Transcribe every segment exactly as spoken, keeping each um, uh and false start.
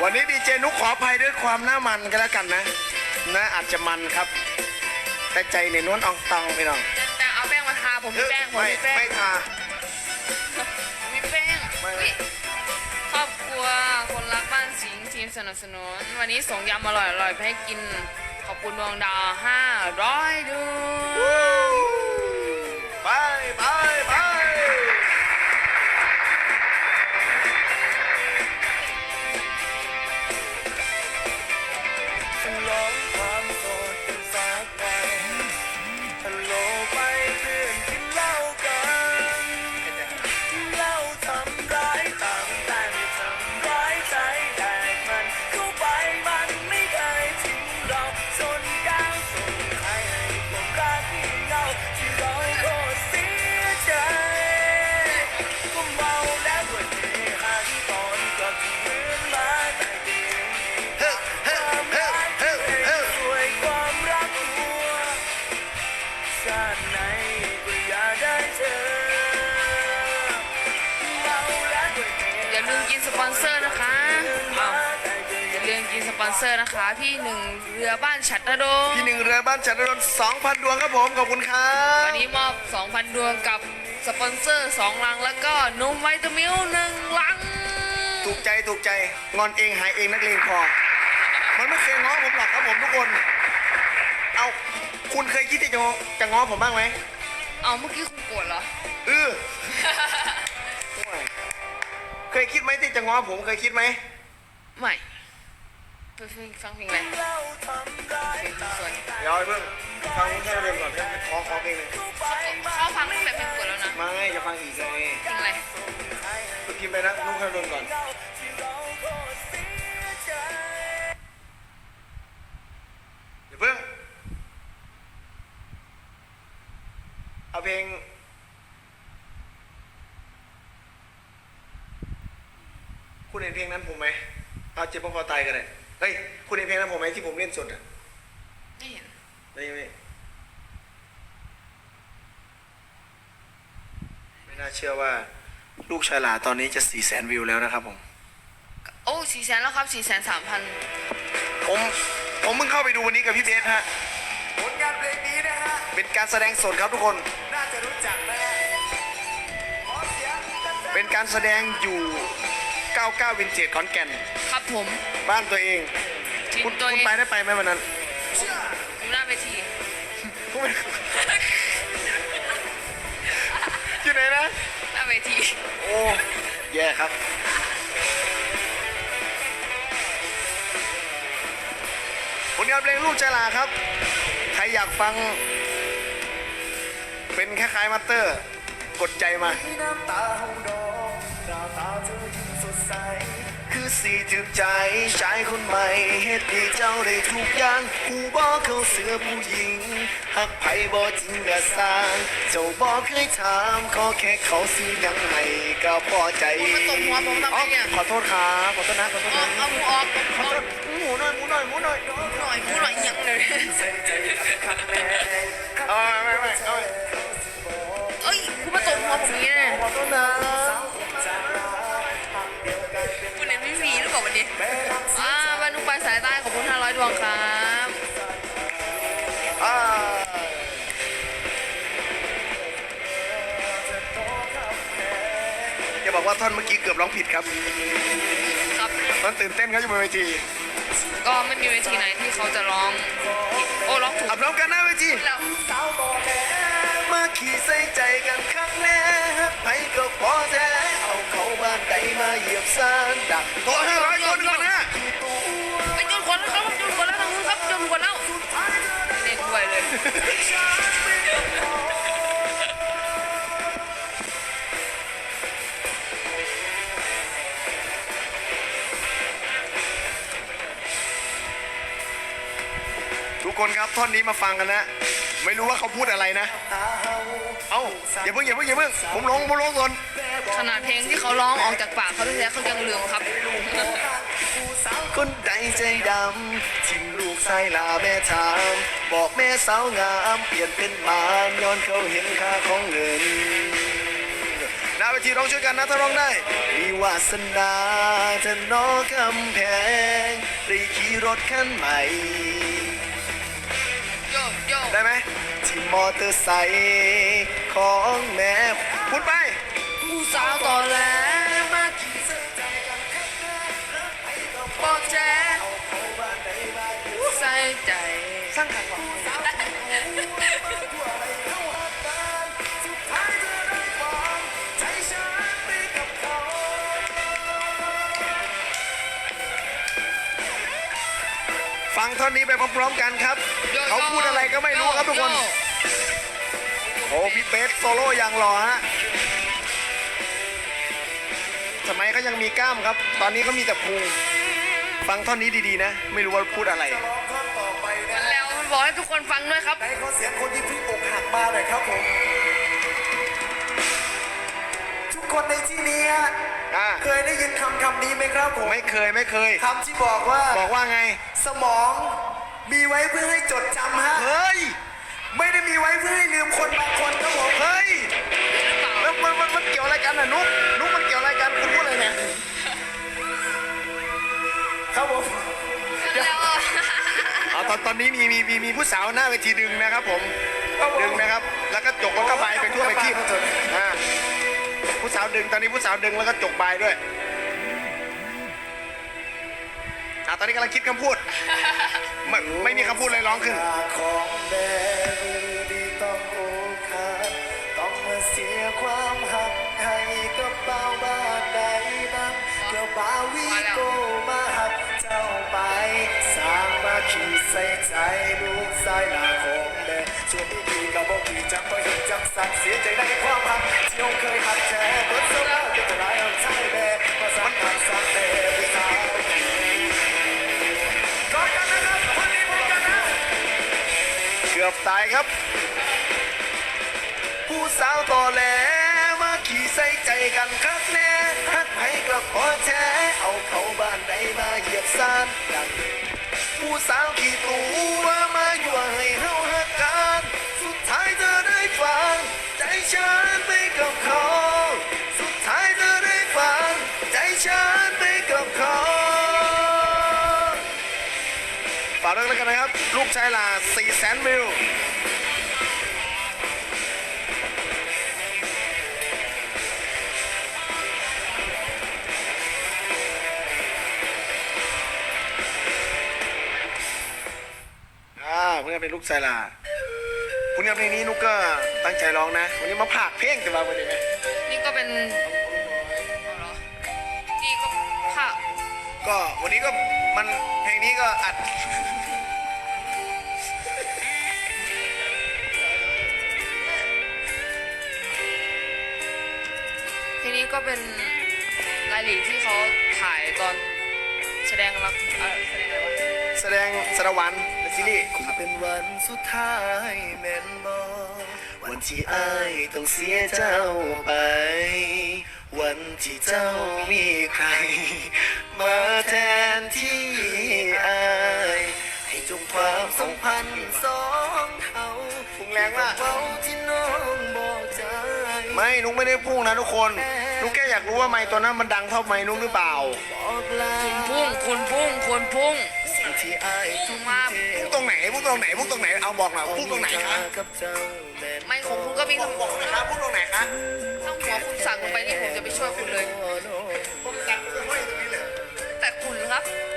วันนี้ดีเจนุกขออภัยด้วยความหน้ามันกันแล้วกันนะนะอาจจะมันครับ แต่ใจในนวลอองตองไปน้องแต่เอาแป้งมาทาผมมีแป้งผมไม่มีแป้งไม่ทามีแป้งไม่อุ๊ยครอบครัวคนรักบ้านสิงห์ทีมสนับสนุนวันนี้ส่งยำอร่อยๆไปให้กินขอบคุณดวงดาวห้าร้อยดวงไปไปไปฉลองความโสดกันสักวันฮัลโหลไปเพื่อนกินเหล้ากันเหล้าทำร้ายต่างแต่ไม่ทำร้ายใจแต่มันเข้าไปมันไม่เคยทิ้งเราจนก้าวส่งใครให้ความรักที่เงาที่เราโคตรเสียใจก็เมาแล้วด้วยเฮฮาที่ตอนก็ที่เหมือนมาแต่เดียวความรักที่เองสวยความรักหัวชาติไหนก็อยากได้เธอเมาแล้วด้วยเฮอย่าลืมกินสปอนเซอร์นะคะอ้าวอย่าลืมกินสปอนเซอร์นะคะ พี่หนึ่งเรือบ้านฉัตรดงพี่หนึ่งเรือบ้านจันทรนสองพันดวงครับผมขอบคุณครับวันนี้มอบ สองพัน ดวงกับสปอนเซอร์สองลังแล้วก็นมไวตามิลหนึ่งลังถูกใจถูกใจงอนเองหายเองนักเลงพอ มันไม่เคยง้อผมหรอกครับผมทุกคน เอาคุณเคยคิดที่จะง้อจะง้อผมบ้างไหมเอาเมื่อกี้คุณโกรธเหรอเออเคยคิดไหมที่จะง้อผมเคยคิดไหมไม่ไปฟังเพลงอะไรเพลงสวยเดี๋ยวไอ้เพิ่งฟังแค่เรื่องก่อนแค่ขอขอเพลงหนึ่งเขาฟังตั้งแต่เพลงโกรธแล้วนะไม่จะฟังอีกเลยเพลงอะไรพิมพ์ไปนะนุ่งแค่เรื่องก่อนเดี๋ยวเพิ่งเอาเพลงคุณเห็นเพลงนั้นผมไหมเอาเจ็บพอตายกันเลยเฮ้ยคุณเห็นเพลงนั้นผมไหมที่ผมเล่นสดอ่ะไม่เห็นได้ไหมไม่น่าเชื่อว่าลูกชายหลาตอนนี้จะสี่แสนวิวแล้วนะครับผมโอ้สี่แสนแล้วครับสี่แสนสามพันผมผมเพิ่งเข้าไปดูวันนี้กับพี่เบสฮะผลงานเพลงนี้นะฮะเป็นการแสดงสดครับทุกคนน่าจะรู้จักนะฮะเป็นการแสดงอยู่เก้าสิบเก้าวินเทจขอนแก่นครับผมบ้านตัวเองทีมคุณตัวคุณเองไปได้ไปไหมวันนั้นอยู่หน้าเวทีคุณไม่อยู่ไหนนะหน้าเวทีโอ้แย่ครับผลงานเพลงลูกใจหลาครับ ใครอยากฟัง เป็นคล้ายๆมัตเตอร์ กดใจมาน้ำตาหงดอกหน้าตาเธอยิ่งสดใส คือสีถึกใจชายคนใหม่เฮ็ดให้เจ้าได้ทุกอย่างผู้บ่เขาเสือผู้หญิงหักไผบ่จริงกะสร้าง เจ้าบ่เคยถามขอแค่เขาซื้อหยังให้ก็พอใจคุณมาตบหัวผมทำไมเนี่ยขอโทษครับขอโทษนะขอโทษเอานะเอาหมูออกขอโทษหมูหน่อยหมูหน่อยหมูหน่อยหน่อยพูดหน่อยยังเลยเอาไม่ไม่เอาเอ้ยคุณมาตบหัวผมอย่างนี้นะขอโทษนะคุณเห็นพี่ฟีหรือเปล่าวันนี้อ่าบรรลุปลายสายใต้ขอบคุณห้าร้อยดวงครับอ่าจะบอกว่าท่อนเมื่อกี้เกือบร้องผิดครับครับมันตื่นเต้นครับอยู่บนเวทีก็ไม่มีเวทีไหนที่เขาจะร้องผิดโอ้ร้องถูกอับร้องกันหน้าเวทีแล้วมาขี่ใส่ใจกันครั้งแรกไปก็พอแท้เอาเขาบ้านใดมาเหยียบซานดักตัวห้าร้อยคนก่อนนะไปจนคนแล้วครับจนคนแล้วทางนู้นครับจนคนแล้วเล่นด้วยเลยทุกคนครับท่อนนี้มาฟังกันนะ ไม่รู้ว่าเขาพูดอะไรนะ เอ้าอย่าเพิ่งอย่าเพิ่งอย่าเพิ่งผมร้องผมร้องก่อนขนาดเพลงที่เขาร้องออกจากปากเขาแท้ๆเขายังลืมครับคนใดใจดำทิ้งลูกใส่ลาแม่ถามบอกแม่สาวงามเปลี่ยนเป็นหมานย้อนเขาเห็นค่าของเงินน้าเวทีร้องช่วยกันนะถ้าร้องได้มีวาสนาจะนอกกำแพงได้ขี่รถคันใหม่โยโย่ได้ไหมที่มอเตอร์ไซค์ของแม่พูดไปผู้สาวต่อแหลมาขี่บอกแจ๊ใส่ใจสร้างขันหวังฟังท่อนนี้ไปพร้อมๆกันครับ เขาพูดอะไรก็ไม่รู้ครับทุกคน โอ้พี่เป๊กโซโล่อย่างหล่อฮะสมัยเขายังมีกล้ามครับ ตอนนี้เขามีแต่พุงฟังท่อนนี้ดีๆนะ ไม่รู้ว่าพูดอะไรจะร้องท่อนต่อไปนะแล้วมันบอกให้ทุกคนฟังด้วยครับไหนขอเสียงคนที่เพิ่งอกหักมาหน่อยครับผม ทุกคนในที่นี้ฮะอ่าเคยได้ยินคำคำนี้ไหมครับผมไม่เคยไม่เคยคำที่บอกว่าบอกว่าไงสมองมีไว้เพื่อให้จดจำฮะเฮ้ยไม่ได้มีไว้เพื่อให้ลืมคนบางคนครับผมเฮ้ย แล้วมันมันมันเกี่ยวอะไรกันอ่ะนุ๊กนุ๊กมันเกี่ยวอะไรกันคุณพูดอะไรเนี่ยครับผมแล้วเอาตอนตอนนี้มีมีมีมีผู้สาวหน้าเวทีดึงนะครับผมครับผมดึงนะครับ แล้วก็จกแล้วก็ใบไปทั่วไปที่อ่าผู้สาวดึงตอนนี้ผู้สาวดึงแล้วก็จกใบด้วยอ่าตอนนี้กำลังคิดคำพูด ไม่ไม่มีคำพูดอะไรร้องขึ้นของแม่มือดีต้องโอกหักต้องมาเสียความหักให้กับเบาบ้านใดนั้นเกี่ยวบาวีโกมาหักเจ้าไป สร้างมาขีดใส่ใจลูกสายหน้าของแม่ส่วนที่ดีก็บอกดีจังก็เห็นจังสั่งเสียใจในความหักที่น้องเคยหักแท้เบิดเสื้อผ้าเป็นจะร้ายเอาใจแม่มาสั่งหักสั่งแม่ผู้สาวกอดกันนะครับคนนี้พบกันนะเกือบตายครับ ผู้สาวต่อแหลมาขี่ใส่ใจกันคักแน่ฮักให้ก็ขอแท้เอาเขาบ้านใดมาเหยียบซานดังผู้สาวขี่ตัวมาอยู่ให้เฮาฮักกันสุดท้ายเธอได้ฟังใจฉันไปกับเขา สุดท้ายเธอได้ฟังใจฉันไปกับเขาฝากด้วยแล้วกันนะครับ ลูกชายลาสี่แสนวิว อ่าเพื่อนเป็นลูกชายลาคุณกับเพลงนี้นุกก็ตั้งใจร้องนะ วันนี้มาผากเพลงแต่ว่าวันนี้ไหมนี่ก็เป็นนี่ก็ค่ะก็วันนี้ก็มันเพลงนี้ก็อัดทีนี้ก็เป็นรายละเอียดที่เขาถ่ายตอนแสดงรักเอ่อแสดงอะไรวะแสดงสารวันในซีรีส์คงเป็นวันสุดท้ายแม่นบอวันที่อ้ายต้องเสียเจ้าไป วันที่เจ้ามีใคร มาแทนที่อ้ายให้จงความสัมพันธ์สองเท่าพุ่งแรงมากเบาที่น้องบอกใจไม่นุกไม่ได้พุ่งนะทุกคน นุกแค่อยากรู้ว่าไมค์ตัวนั้นมันดังเท่าไมค์นุกหรือเปล่าบอกลาพุ่งคุณพุ่งคุณพุ่งสิ่งที่อ้ายทุ่มเทพุ่งตรงไหนพุ่งตรงไหนพุ่งตรงไหนเอาบอกหน่อยพุ่งตรงไหนคะกับเจ้าแม่นไม่ของคุณก็มีทั้งบอกนะครับพุ่งตรงไหนคะทั้งหัวคุณสั่งลงไปนี่ผมจะไปช่วยคุณเลยผมสั่งไปห้อยตรงนี้เลยแต่คุณครับ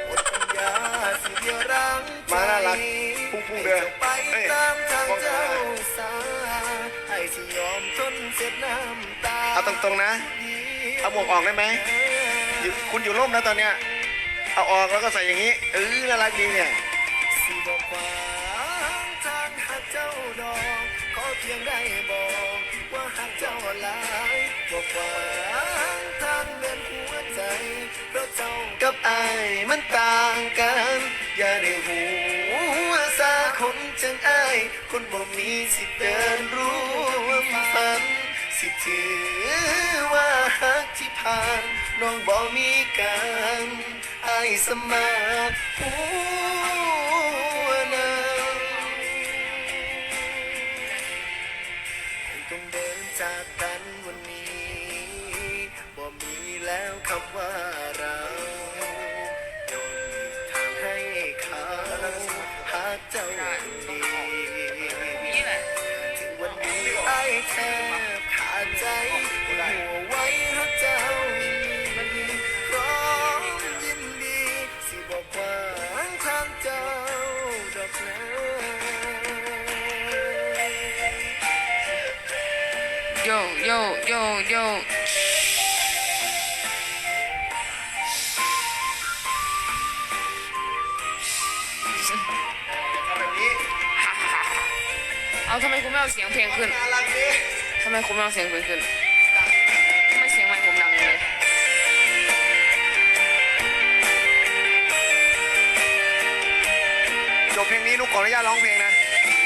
มาน่ารักพุ่งพุ่งเดินไปเฮ้ยตามทางบอกเจ้าสาให้ที่ยอมทนเสียน้ำตาเอาตรงๆนะ เอาหมวกออกได้ไหมอยู่คุณอยู่ร่มนะตอนเนี้ย เอาออกแล้วก็ใส่อย่างนี้ เออน่ารักดีเนี่ยสิบอกขวางทางหักเจ้าดอกขอเพียงได้บอกว่าหักเจ้าหลายบอกขวางทางเดินหัวใจเพราะเจ้ากับอายมันต่างกัน อย่าได้หูว่าสาคนจังอาย คนบ่มีสิทธิ์เดินร่วมฝัน สิถือว่าหักที่ผ่านน้องบ่มีกันอายสมาหัวนางคงต้องเดินจากกันวันนี้โยโยโยโยทำแบบนี้เอาทำไมคุณไม่เอาเสียงเพลงขึ้นน่ารักดีทำไมคุณไม่เอาเสียงเพลงขึ้นทำไมเสียงไมค์ผมดังเลยจบเพลงนี้นุกขออนุญาตร้องเพลงนะ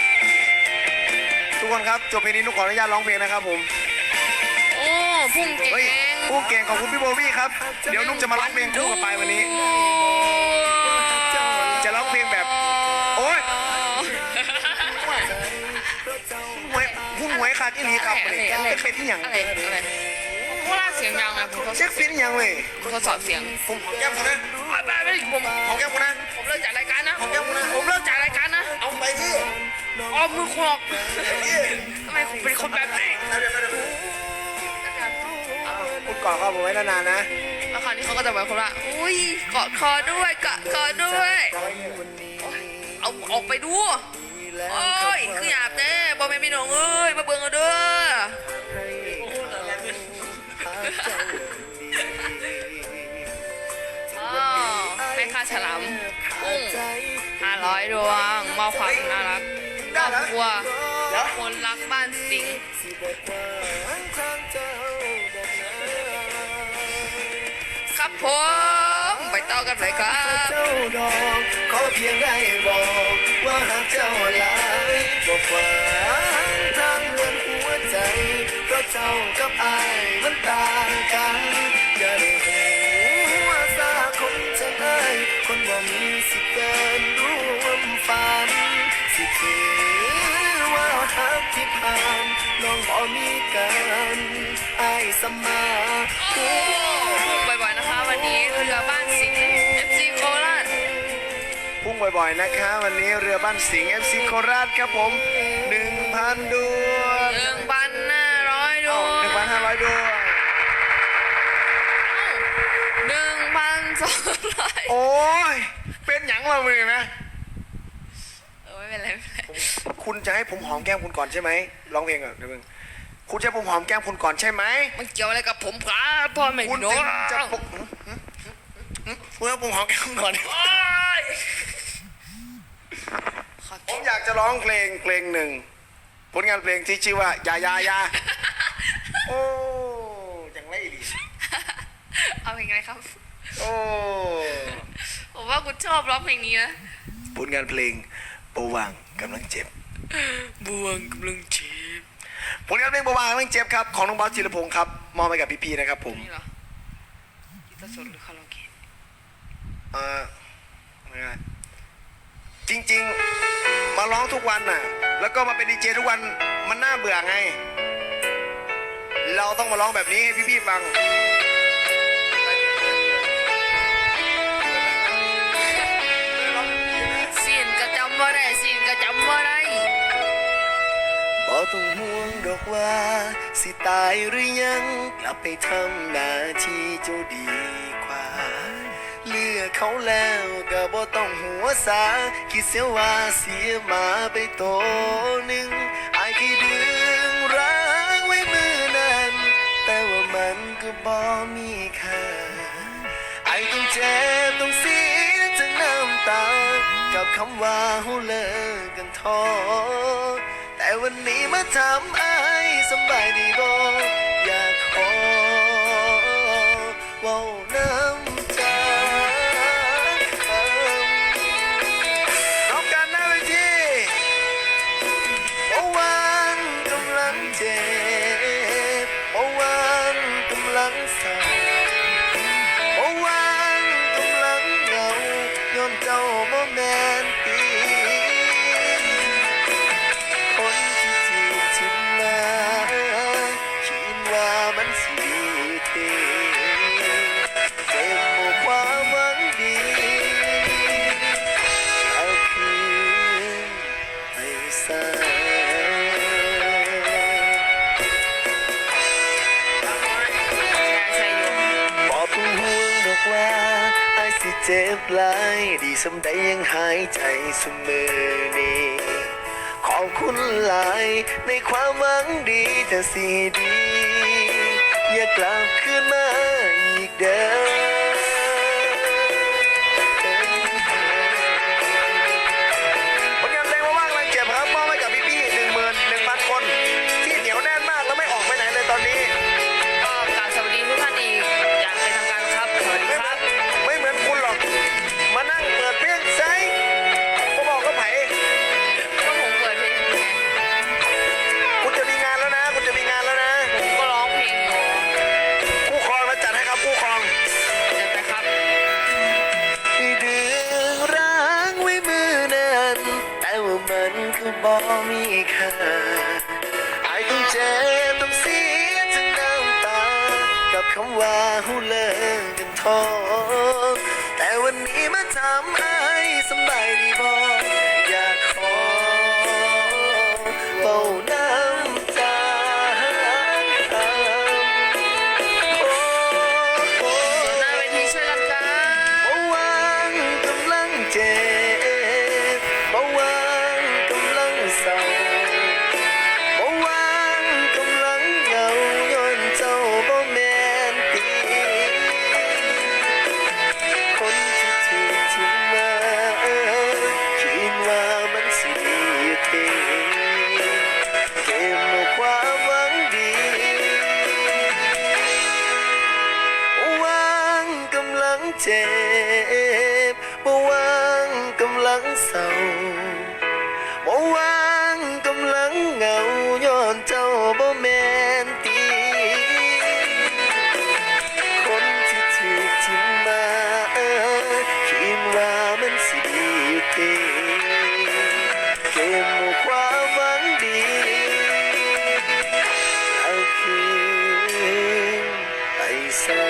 ทุกคนครับจบเพลงนี้นุกขออนุญาตร้องเพลงนะครับผมโอ้พุ่งเก่เฮ้ยงผู้เก่งขอบคุณพี่โบวี่ครับเดี๋ยวนุกจะมาร้องเพลงคู่กับปายวันนี้ จะร้องเพลงแบบ โอ๊ยหวยหุ้นหวยขาดอีหลีครับอะไรนี่อะไรเช็คเป็นที่อย่างอะไรอะไรโคราชเสียงยังไงผมทดสเช็อคบเป็นที่อย่างเว้ยผมทดสอบเสียงผมหอมแก้มคุณนะไปไปผมหอมแก้มคุณนะผมเลิกจากรายการนะหอมแก้มคุณนะผมเลิกจากรายการนะเอาไปที่อ๋อมือคุณออกที่ทำไมผมเป็นคนแบบนี้พูดก่อนครับผมไว้นานๆนะแล้วคราวนี้เขาก็จะแบบคนละอุ้ยเกาะคอด้วยเกาะคอด้วยเอาออกไปดูโอ้ยคือหยาบเด้บอแม่พี่น้องเอ้ยมาเบิ่งเอาเด้ออ๋อให้ค่าฉลามกุ้งห้าร้อยดวงมอบความน่ารักครอบครัวคนรักบ้านสิงห์ครับผมไปต่อกันเลยครับเจ้าดอกขอเพียงได้บอกว่าหากเจ้าหลายบอกว่าทางเงินหัวใจเพราะเจ้ากับอายมันต่างกันอย่าได้หัวซาคนจะได้คนว่ามีสิทธิ์เดินร่วมฝันสิถือว่าหักที่ผ่านน้องบ่มีกันอายสมาโอ้พุ่งบ่อยๆนะคะวันนี้เรือบ้านสิงห์ เอฟ ซี โคราชพุ่งบ่อยๆนะคะวันนี้เรือบ้านสิงห์ เอฟ ซี โคราชครับผมหนึ่งพันดวงหนึ่งพันห้าร้อยดวงหนึ่งพันห้าร้อยดวงหนึ่งพันสองร้อยโอ้ยเป็นหยังเราเลยไหมเออไม่เป็นไรไม่เป็นไรคุณจะให้ผมหอมแก้มคุณก่อนใช่ไหมร้องเพลงก่อนเดี๋ยวมึงคุณจะให้ผมหอมแก้มคุณก่อนใช่ไหมมันเกี่ยวอะไรกับผมครับพ่อไม่คุณรู้ถึงจะปกคุณให้ผมหอมแก้มคุณก่อนโอ๊ยขอผมอยากจะร้องเพลงเพลงหนึ่งผลงานเพลงที่ชื่อว่ายายายาโอ้ยังไม่ดีเอาเพลงอะไรครับโอ้ผมว่าคุณชอบร้องเพลงนี้นะผลงานเพลงประวังกำลังเจ็บบวงกำลังจีบผลงานเพลงประวังกำลังเจ็บครับของน้องบอสจิรพงศ์ครับมอบให้กับพี่ๆนะครับผมนี่เหรอกีตาร์สดหรือคาราโอเกะเออไม่ได้จริงๆมาร้องทุกวันน่ะแล้วก็มาเป็นดีเจทุกวันมันน่าเบื่อไง เราต้องมาร้องแบบนี้ให้พี่ๆฟังสินก็จำว่าได้สินก็จำว่าได้บ่ต้องห่วงดอกว่าสิตายหรือยังกลับไปทำหน้าที่เจ้าดีกว่าเลือกเขาแล้วก็บ่ต้องหัวสาคิดเสียว่าเสียหมาไปโตหนึ่งอายที่ดึงรักไว้มือนั้นแต่ว่ามันก็บ่มีค่าอายต้องเจ็บต้องเสียทั้งน้ำตากับคำว่าเฮาเลิกกันท้อแต่วันนี้มาถามอายสำบายดีบ่อยากขอเว้าน้ำใจร้องกันหน้าเวทีเมื่อวานกำลังเจ็บเมื่อวานกำลังเศร้าเมื่อวานกำลังเหงาย้อนเจ้าบ่แม่นตีคนที่จีบชิมมาคิดว่ามันสิดีเทเจ็บหมู่ความหวังดีเอาคืนไปซะใช่อยู่บอกต้องห่วงดอกว่าไอ้ายสิเจ็บหลายดีสำใดยังหายใจเสมอนี้ขอบคุณหลายในความหวังดีแต่สีดี อย่ากลับคืนมาอีกเด้อผลงานเพลงว่างๆแรงเจ็บครับมอบให้กับพี่ๆหนึ่งหมื่นหนึ่งพันคน ที่เหนียวแน่นมากแล้วไม่ออกไปไหนเลยตอนนี้ก็กราบสวัสดีทุกท่านอีกอย่างเป็นทางการครับสวัสดีไม่ครับไม่เหมือนคุณหรอก มานั่งเปิดเพลงไซผมบอกก็ไผ่ก็ผมเปิดเพลงอยู่ไงคุณจะมีงานแล้วนะ คุณจะมีงานแล้วนะผมก็ร้องเพลงอยู่คู่ครองมาจัดให้ครับคู่ครองเดี๋ยวไปครับที่ดึงร้างไว้มือนั้นแต่ว่ามันก็บ่มีค่าไอ้ต้องเจ็บต้องเสียทั้งน้ำตา กับคำว่าหูเลิกกันท้อแต่วันนี้มาทำไอ้สบายดีบ่อยากขอเป่าน้ำตาโอ้โอ้หน้าเวทีช่วยกันครับเบาหวานกำลังเจ็บเบาหวานกำลังเศร้าเบาหวานกำลังเหงาย้อนเจ้าบ่แม่นตีคนที่ถูกทิ้งมาคิดว่ามันสิดีอยู่เท่เก็บเอาความหวังดีวางกำลังเจ็บบ่วางกำลังเศร้าบ่วางกำลังเหงาย้อนเจ้าบ่แม่นตีคนที่ถูกทิ้งมาคิดว่ามันสิดีอยู่เท่เก็บเอาความหวังดีเอาคืนไปซะ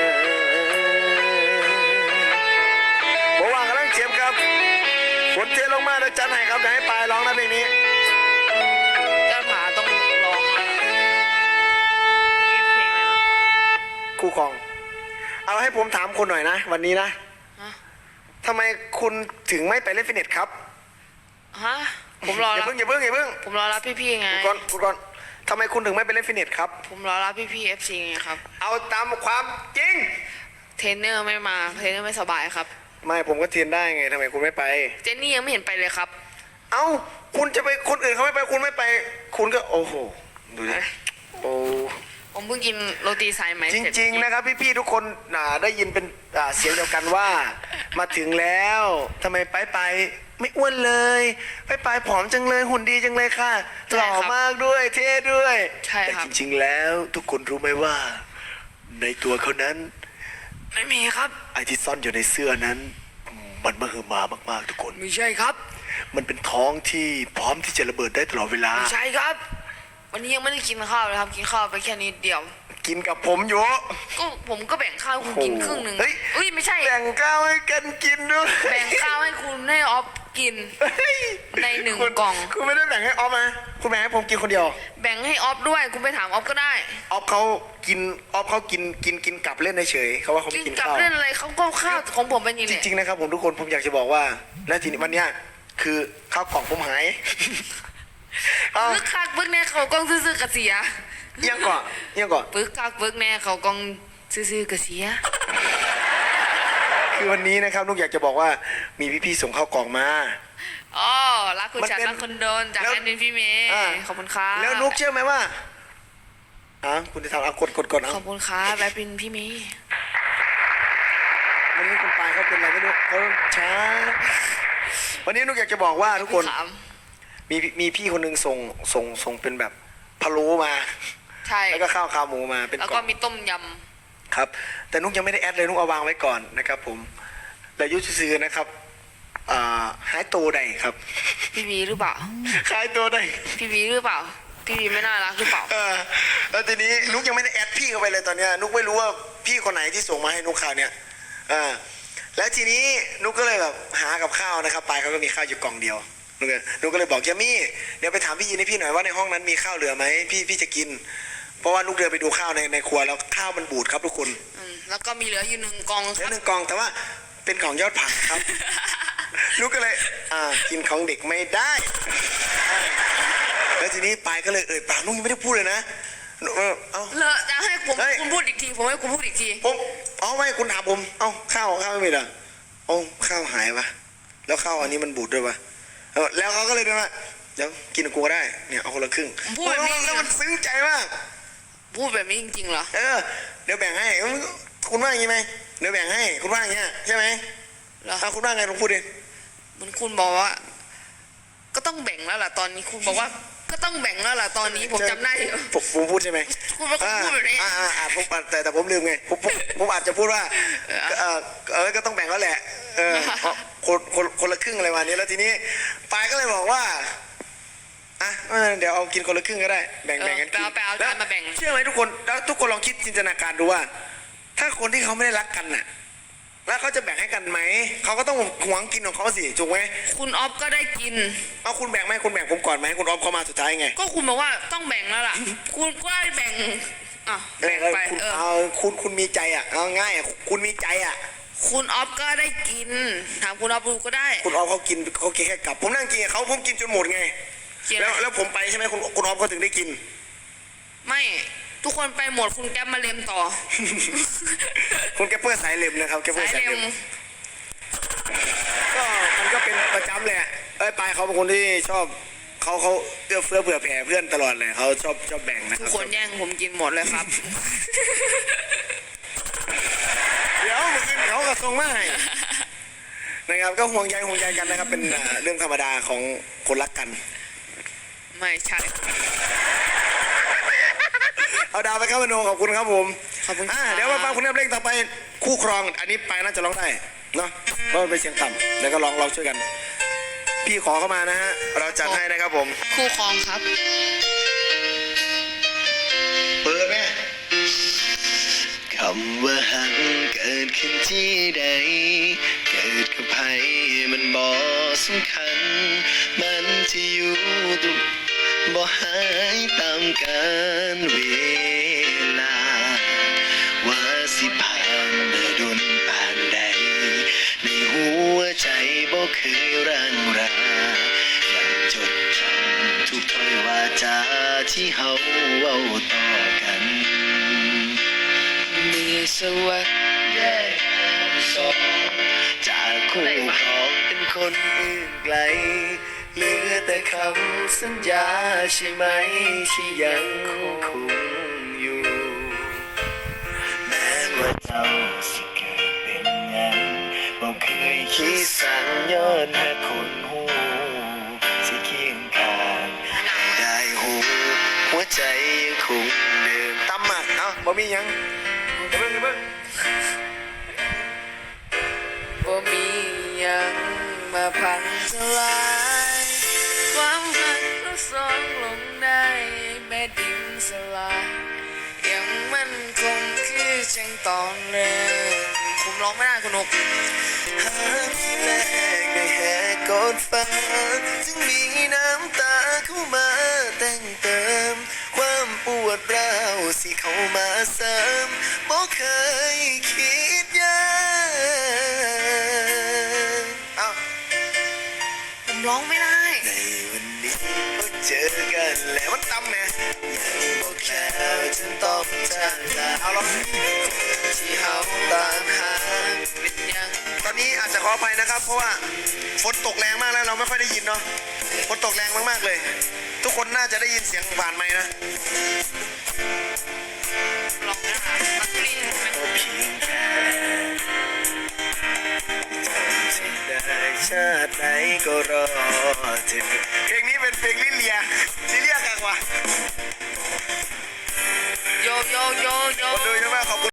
บ่ว่างกำลังเจ็บครับฝนเทลงมาแล้วจันให้ครับเดี๋ยวให้ปลายร้องนะเพลงนี้เจ้าผาต้องร้องแล้วนี่เพลงอะไรนะคู่ครอง เอาให้ผมถามคุณหน่อยนะ วันนี้นะฮะทำไมคุณถึงไม่ไปเล่นฟิตเนสครับฮะผมรออย่ารับเพิ่งอย่าเพิ่งอย่าเพิ่งผมรอรับพี่ๆไงคุณก่อนคุณก่อนทำไมคุณถึงไม่ไปเล่นฟิตเนสครับผมรอรับพี่ๆเอฟซีไงครับเอาตามความจริงเทรนเนอร์ไม่มาเทรนเนอร์ไม่สบายครับไม่ผมก็เทียนได้ไงทำไมคุณไม่ไปเจนนี่ยังไม่เห็นไปเลยครับเอ้าคุณจะไปคนอื่นเขาไม่ไปคุณไม่ไป คุณก็โอ้โหดูดิโอ้ผมเพิ่งกินโรตีสายไหมจเสร็จริงๆนะครับพี่ๆทุกคนอ่าได้ยินเป็นอ่าเสียงเดียวกันว่า มาถึงแล้วทำไมไปไปไม่อ้วนเลยไปไปผอมจังเลยหุ่นดีจังเลยค่ะหล่อมากด้วยเท่ด้วยใช่แต่ครับจริงๆแล้วทุกคนรู้ไหมว่า ในตัวเขานั้นไม่มีครับไอ้ที่ซ่อนอยู่ในเสื้อนั้น มันมหึมามากๆทุกคนไม่ใช่ครับมันเป็นท้องที่พร้อมที่จะระเบิดได้ตลอดเวลาไม่ใช่ครับ วันนี้ยังไม่ได้กินข้าวเลยครับกินข้าวไปแค่นิดเดียวกินกับผมอยู่ก็ผมก็แบ่งข้าวให้คุณกินครึ่งหนึ่งเฮ้ยอุ้ยไม่ใช่แบ่งข้าวให้กันกินด้วยแบ่งข้าวให้คุณให้ออฟกินเฮ้ยในหนึ่งคุณกล่องคุณไม่ได้แบ่งให้ออฟนะคุณแบ่งให้ผมกินคนเดียวแบ่งให้ออฟด้วยคุณไปถามออฟก็ได้ออฟเขากินออฟเขากินกินกินกลับเล่นเฉยๆเขาว่าเขากิไม่นกินกับข้าวเล่นอะไรเขาก็ข้าวของผมเป็นอยังจไงริงๆนะครับผมทุกคนผมอยากจะบอกว่า และทีนี้วันเนี้ยคือข้าวกล่องผมหายเอาปึกคักปึกแน่เขากล้องซื่อๆกระเสียเอียงก่อนเอียงก่อนปึกคักปึกแน่เขากล้องซื่อๆกระเสียคือวันนี้นะครับนุกอยากจะบอกว่ามีพี่ๆส่งข้าวกล่องมาอ๋อรักคุณมันชัดเป็นรักคุณโดนจากแล้วแอนดินพี่เมย์อ่าขอบคุณครับแล้วนุกเชื่อไหมว่าอ่ะคุณจะทำอ่ะกดกดกดเอาขอบคุณครับแอดมินพี่เมย์วันนี้คุณปายเขาเป็นอะไรไม่รู้เขาช้าวันนี้นุกอยากจะบอกว่าทุกคนถามมีมีพี่คนหนึ่งส่งส่งส่งเป็นแบบพะโล้มาใช่แล้วก็ข้าวขาหมูมาเป็นแล้วกล่ก็องมีต้มยครับ แต่นุกยังไม่ได้แอดเลยนุกเอาวางไว้ก่อนนะครับ ผมแต่ยุทธซื้อนะครับอ่าหายตัวใดครับำพี่วีหรือเปล่าหายตัวใดพี่วีหรือเปล่าพี่วีไม่น่ารักหรือเปล่าเออแล้วทีนี้นุกยังไม่ได้แอดพี่เข้าไปเลยตอนเนี้ยนุกไม่รู้ว่าพี่คนไหนที่ส่งมาให้นุกข่าวเนี่ยอ่าแล้วทีนี้นุกก็เลยแบบหากับข้าวนะครับปายเขาก็มีข้าวอยู่กล่องเดียวนุกก็นุกก็เลยบอกเจมี่เดี๋ยวไปถามพี่ยินให้พี่หน่อยว่าในห้องนั้นมีข้าวเหลือไหมพี่พี่จะกิน เพราะว่านุกเดินไปดูข้าวในในครัวแล้วข้าวมันบูดครับทุกคนอืมแล้วก็มีเหลืออยู่หนึ่งกล่องเหคลือรับหนึ่งกล่องแต่ว่าเป็นของยอดผักครับ นุกก็เลยอ่ากินของเด็กไม่ได้อ่าแล้วทีนี้ปายก็เลยเอ่ยปากนุ้งยังไม่ได้พูดเลยนะเออเอาเลอะจะให้ผมเฮ้ยคุณพูดอีกทีผมให้คุณพูดอีกทีผมเอาไม่คุณถามผมเอ้าข้าวข้าวไม่มีเหรอเอาข้าวหายปะแล้วข้าวอันนี้มันบูดด้วยปะเออแล้วเขาก็เลยเดินมาเดี๋ยวกินกับกูก็ได้เนี่ยเอาคนละครึ่งผมพูดแบบนี้แล้วมันซึ้งใจมากพูดแบบนี้จริงๆเหรอเออเดี๋ยวแบ่งให้คุณว่าอย่างนี้ไหมเดี๋ยวแบ่งให้คุณว่าอย่างเงี้ยใช่ไหมเหรอเอาคุณว่าไงลองพูดดิมันคุณบอกว่า ก็ต้องแบ่งแล้วล่ะตอนนี้คุณบอกว่า ก็ต้องแบ่งแล้วล่ะตอนนี้ผมจำได้อยู่ผมผมพูดใช่ไหมคุณเป็นคนพูดแบบนี้อ่าอ่าอ่าผมแต่แต่ผมลืมไงผมผมผมอาจจะพูดว่าเออเออเออก็ต้องแบ่งแล้วแหละเออเพราะคนคนคนละครึ่งอะไรวันนี้แล้วทีนี้ปายก็เลยบอกว่าอ่ะเออเดี๋ยวเอากินคนละครึ่งก็ได้แบ่งเออแบ่งกันกินไปเอาไปเอาจานมาแบ่งเชื่อไหมทุกคนแล้วทุกคนลองคิดจินตนาการดูว่า ถ้าคนที่เขาไม่ได้รักกันน่ะแล้วเขาจะแบ่งให้กันไหมเขาก็ต้องหวงกินของเขาสิถูกไหมคุณออฟก็ได้กินเอาคุณแบ่งไหมคุณแบ่งผมก่อนไหมคุณออฟเขามาสุดท้ายไงก็คุณบอกว่าต้องแบ่งแล้วล่ะ คุณก็ได้แบ่งอ่ะแบ่งไปคุณเออเอาคุณคุณมีใจอ่ะเอาง่ายอ่ะคุณมีใจอ่ะคุณออฟก็ได้กิน ถามคุณออฟดูก็ได้คุณออฟเขากินเขากินแค่กลับ ผมนั่งกินกับเขาผมกินจนหมดไงกินแล้วแล้วผมไปใช่ไหมคุณคุณออฟเขาถึงได้กินไม่ทุกคนไปหมดคุณแก๊ปมาเล็มต่อคุณแกเปอร์สายเล็มนะครับแกเปอสายร์สายเล็เล็มมก็มันก็เป็นประจำเลยอะเอ้ยปายเขาเป็นคนที่ชอบเขาเขาเอื้อเฟื้อเผื่อแผ่เพื่อนตลอดเลยเขาชอบชอบแบ่งนะคทุรักบคนแย่งผมกินหมดเลยครับเดี๋ยวเมื่อคืนเขากระทรงมาให้นะครับก็ห่วงใยห่วงใยกันนะครับ เป็นอ่าเรื่องธรรมดาของคนรักกันไม่ใช่เอาดาวไปครับมโนขอบคุณครับผมขอบคุณอ่าครับเดี๋ยวมาฟังคุณเพลงต่อไปคู่ครอง อันนี้ไปน่าจะร้องได้เนาะเพราะมันเป็นเสียงต่ำแล้วก็ร้องเราช่วยกัน พี่ขอเข้ามานะฮะเราจัดให้นะครับผมคู่ครองครับเปิดแม่คำว่าหักเกิดขึ้นที่ใด เกิดกับใครมันบ่สำคัญ มันจะอยู่ตรงบ่หายตามกาลเวลา ว่าสิผ่านเดินดนผ่านใด ในหัวใจบ่เคยร่างรายังจดจำทุกถ้อยวาจาที่เฮาเว้าต่อกันมีสวัสดิ์แยกกันสองจากคู่ครองเป็นคนอื่นไกล เหลือแต่คำสัญญาใช่ไหมที่ยังคงอยู่ แม้ว่าเจ้าสิเกิดเป็นหยังบ่เคยคิดสั่งย้อนหาคนหูสิเคียงข้างให้ได้หูหัวใจยังคงเดิมตำหมักเอ้าบ่มีหยังเดี๋ยวเบิ่งเดี๋ยวเบิ่งบ่มีหยังมาพังทลายความหักเราสองลงได้แม่ดินสลายยังมันคงคือจังตอนเริ่มผมร้องไม่ได้คุณนกหากแรกได้แหกกอดฟ้าจึงมีน้ำตาเข้ามาแต่งเติม ความปวดร้าวสิเข้ามาเสริมบ่เคยคิดยากเอ้าผมร้องไม่ได้ในวันนี้พบเจอกันแล้วมันตำแหม่ยังบอกแล้วจนต้องจากลาเอาลองที่เฮาตามหาเป็นยังตอนนี้อาจจะขออภัยนะครับ เพราะว่าฝนตกแรงมากแล้วเราไม่ค่อยได้ยินเนาะฝนตกแรงมากๆเลย ทุกคนน่าจะได้ยินเสียงผ่านไมค์นะร้องไม่ได้ตักลิ้นไหมก็เพียงแค่จำสิ่งใดชาติไหนก็รอเธอเพลงนี้เป็นเพลงลิเลียลิเลียกันว่ะโยโยโยโยคนดูโย